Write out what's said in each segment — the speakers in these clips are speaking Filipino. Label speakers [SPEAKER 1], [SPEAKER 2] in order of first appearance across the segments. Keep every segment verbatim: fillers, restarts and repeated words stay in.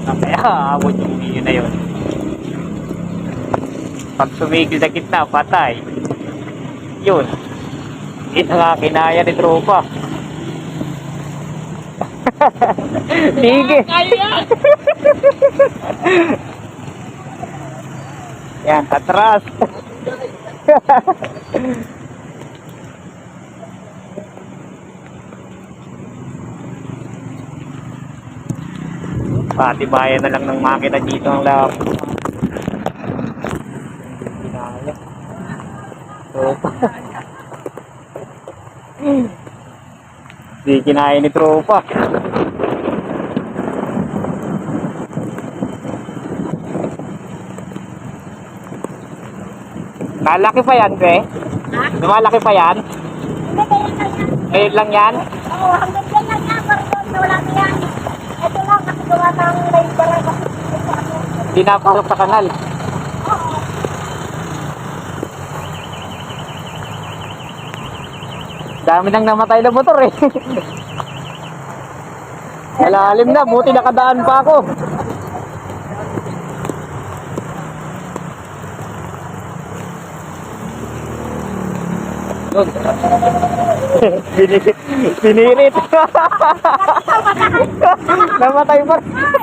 [SPEAKER 1] Kaya aabot yung video na yun. Pag sumigil sa gitna, patay. Yun. Hindi na nga kinaya ni tropa. Sige. Yan, atras. Patibayan na lang ng makina dito ang lab. Kinaya. Tropa. Hindi kinaya ni tropa. Malaki pa yan, pre?
[SPEAKER 2] Ha?
[SPEAKER 1] Lumalaki pa yan?
[SPEAKER 2] Hindi, kaya na yan.
[SPEAKER 1] Ngayon lang yan?
[SPEAKER 2] Oo, hanggang dyan lang yan. Parang na wala na yan. Ito lang, kasi gawa ng labor kasi ito ano.
[SPEAKER 1] Hindi napasok sa kanal.
[SPEAKER 2] Oo.
[SPEAKER 1] Dami nang namatay na motor eh. Malalim na, buti nakadaan pa ako. Bini- Binirit. Namatay pa.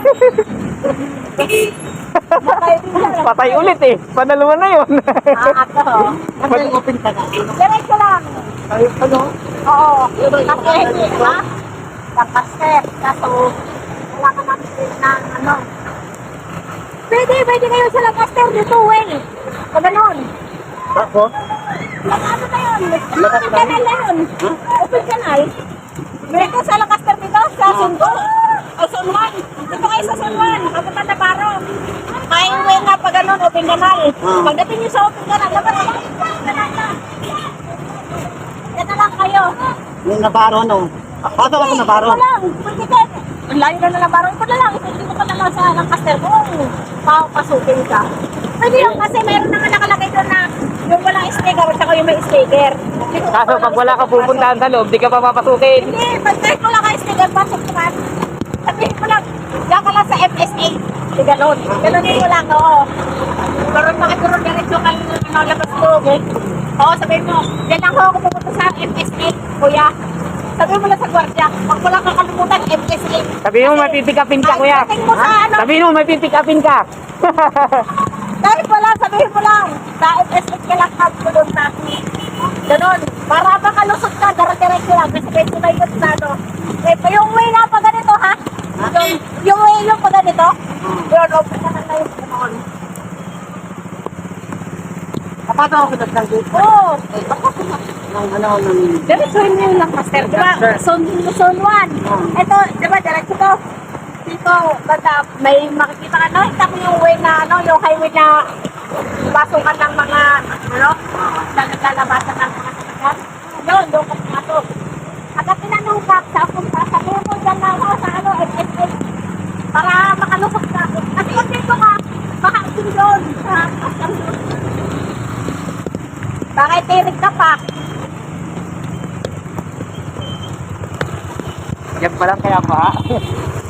[SPEAKER 1] Patay ulit eh. Panaluan na yun.
[SPEAKER 2] Ah, ako.
[SPEAKER 1] Mag-
[SPEAKER 2] open ka na. Diretso lang.
[SPEAKER 1] Ano?
[SPEAKER 2] Oo. Kasi hindi, ha? Lancaster. Kaso, wala ka namin ng ano. Pwede, pwede kayo sa Lancaster dito, way. O ganon.
[SPEAKER 1] Ako?
[SPEAKER 2] Lang ano na yun? Open canal na yun. Open canal. Dito sa Lancaster dito, sa Sundo. O San Juan. Dito kayo sa San Juan. Papunta na Baro. Highway nga pa ganon, open canal. Pagdating nyo sa open canal, dapat na lang. Yan na lang kayo.
[SPEAKER 3] Yung Nabaro, no? Pasok ako Nabaro.
[SPEAKER 2] Ito lang. Pwede ka. Ang layo na na Nabaro. Ito na lang. Ito ka na lang sa Lancaster kung papasukin ka. Pwede lang kasi mayroon naman nakalagay doon na yung walang sticker at saka yung may sticker.
[SPEAKER 1] Kaso pag wala ka pupuntahan sa loob, di ka pa papasukin.
[SPEAKER 2] Hindi, pag kahit wala ka sticker, pasok ka man. Sabihin mo lang, diyan ka lang sa F S A. Di ganon. Ganonin mo lang, oo. Pero makituro diretso ka lang labas loob eh. Oo, sabihin mo, diyan lang ako pupunta sa F S A, kuya. Sabihin mo lang sa gwardiya, pag wala kang kalimutan, F S A.
[SPEAKER 1] Sabihin mo may pipikapin ka, kuya.
[SPEAKER 2] Pagdating mo sa ano,
[SPEAKER 1] Sabihin mo may pipikapin ka.
[SPEAKER 2] kahit wala, sabihin mo lang, sa F S A ka lang doon sa ganon. Para makalusot ka, dara-diretso lang, kasi kahit sumayon sa ano. Eh, yung way na pa ganito, ha? Yung, yung way yung pa ganito, yun, open na lang na yung ganon.
[SPEAKER 3] Kapata ako kita ng dito.
[SPEAKER 2] Oo,
[SPEAKER 3] Nang ano, nang...
[SPEAKER 2] diretsuhin mo yung Lancaster, di ba? Zone, zone one. Ito, di ba, diretso to. Dito, banda, may makikita ka, no? Kita mo yung way na, ano, yung highway na pasukan ng mga, ano, nagkalabasan ng mga sasakyan. Yun, doon ka pumasok. At ang tinanong ka, sa punta, sabihin mo dyan na ako sa, ano, F S A. Para makalusok ka. Kasi kung dito ka, baka asin doon, sa kasang doon. Bakit tirig ka pa?
[SPEAKER 1] Yan pa lang kaya pa.